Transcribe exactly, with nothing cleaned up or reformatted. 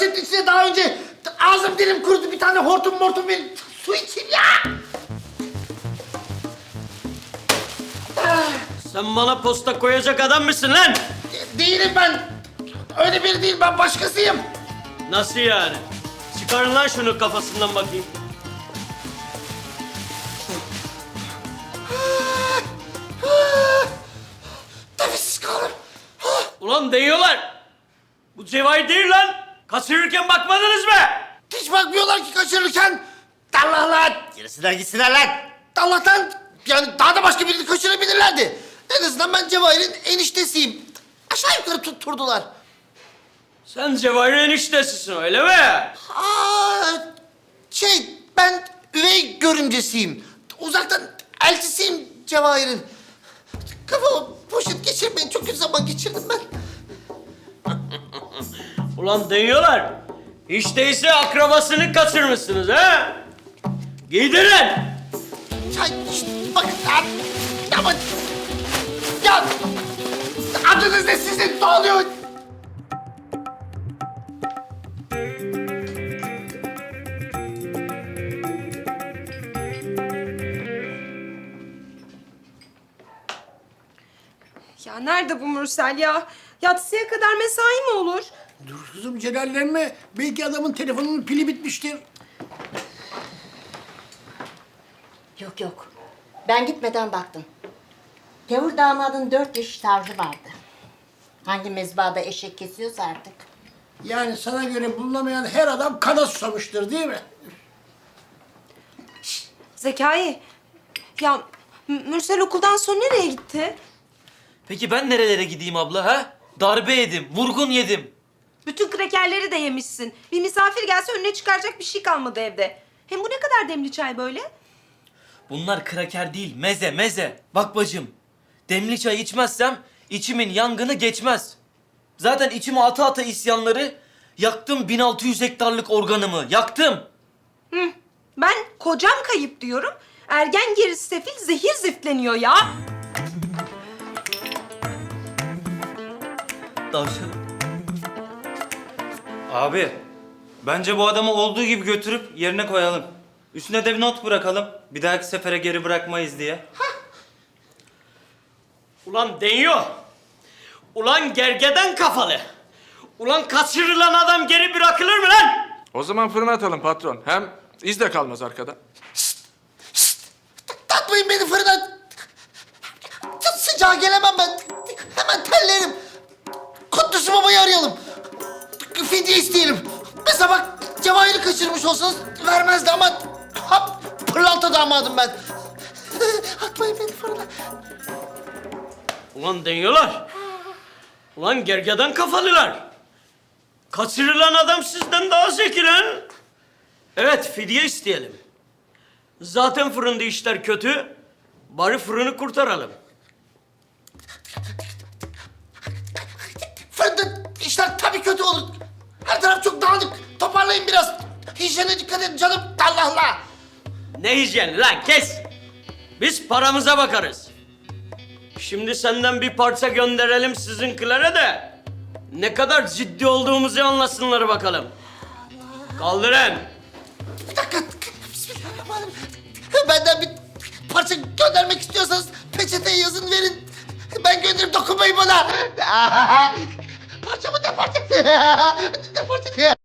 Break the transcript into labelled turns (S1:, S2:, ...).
S1: poşetin içine daha önce ağzım dilim kurudu. Bir tane hortum mortum verin. Su içeyim ya.
S2: Sen bana posta koyacak adam mısın lan?
S1: De- değilim ben. Öyle biri değil, ben başkasıyım.
S2: Nasıl yani? Çıkarın lan şunu kafasından bakayım.
S1: Nefessiz kaldım.
S2: Ulan değiyorlar. Bu Cevahir değil lan. Kaçırırken bakmadınız mı?
S1: Hiç bakmıyorlar ki kaçırırken. Allah lan. Gerisinden gitsinler lan. Allah'tan yani daha da başka birini kaçırabilirlerdi. En azından ben Cevahir'in eniştesiyim. Aşağı yukarı tutturdular.
S2: Sen Cevahir'in eniştesisin öyle mi?
S1: Aa, şey ben üvey görümcesiyim. Uzaktan eltisiyim Cevahir'in. Kafama poşet geçirmeyin. Çok kötü zaman geçirdim ben.
S2: Ulan değiyorlar. Hiç değilse akrabasını kaçırmışsınız ha? Giydirin.
S1: Çay, şişt, bakın ya. Ama... Ya... Adınız ne sizin? Ne oluyor?
S3: Ya nerede bu Mürsel ya? Yatsıya kadar mesai mi olur?
S4: Dur kızım celallenme. Belki adamın telefonunun pili bitmiştir.
S5: Yok yok. Ben gitmeden baktım. Gavur damadın dört yaş tarzı vardı. Hangi mezbahada eşek kesiyorsa artık.
S4: Yani sana göre bulunamayan her adam kana susamıştır değil mi?
S3: Zekai, ya M- Mürsel okuldan sonra nereye gitti?
S6: Peki ben nerelere gideyim abla ha? Darbe yedim, vurgun yedim.
S3: Bütün krekerleri de yemişsin. Bir misafir gelse önüne çıkaracak bir şey kalmadı evde. Hem bu ne kadar demli çay böyle?
S6: Bunlar kraker değil, meze meze. Bak bacım, demli çay içmezsem içimin yangını geçmez. Zaten içime ata ata isyanları yaktım bin altı yüz hektarlık organımı, yaktım.
S3: Hı. Ben kocam kayıp diyorum. Ergen gerisi sefil zehir ziftleniyor ya.
S6: Tavşanım.
S7: Abi, bence bu adamı olduğu gibi götürüp yerine koyalım. Üstüne de bir not bırakalım. Bir dahaki sefere geri bırakmayız diye.
S2: Ulan değiyor. Ulan gergeden kafalı. Ulan kaçırılan adam geri bırakılır mı lan?
S8: O zaman fırına atalım patron. Hem iz de kalmaz arkada.
S1: Takmayın beni fırına. Sıcağa gelemem ben. Hemen terlerim. Kutlusu babayı arayalım. Fidye isteyelim. Mesela bak Cevahir'i kaçırmış olsanız vermezdi ama... Hap, pırlanta damadım ben. Atmayın beni fırına.
S2: Ulan değiyorlar. Ulan gergeden kafalılar. Kaçırılan adam sizden daha zeki lan. Evet, fidye isteyelim. Zaten fırında işler kötü. Bari fırını kurtaralım.
S1: Fırında işler tabii kötü olur. Her taraf çok dağınık. Toparlayın biraz. Hijyene dikkat edin canım. Allah Allah.
S2: Ne hijyeni lan, kes. Biz paramıza bakarız. Şimdi senden bir parça gönderelim sizinkilere de ne kadar ciddi olduğumuzu anlasınlar bakalım. Kaldırın.
S1: Bir dakika. Bismillahirrahmanirrahim. Benden bir parça göndermek istiyorsanız peçeteye yazın verin. Ben gönderip dokunmayın bana. Parça mı ne parçası? Ne parçası?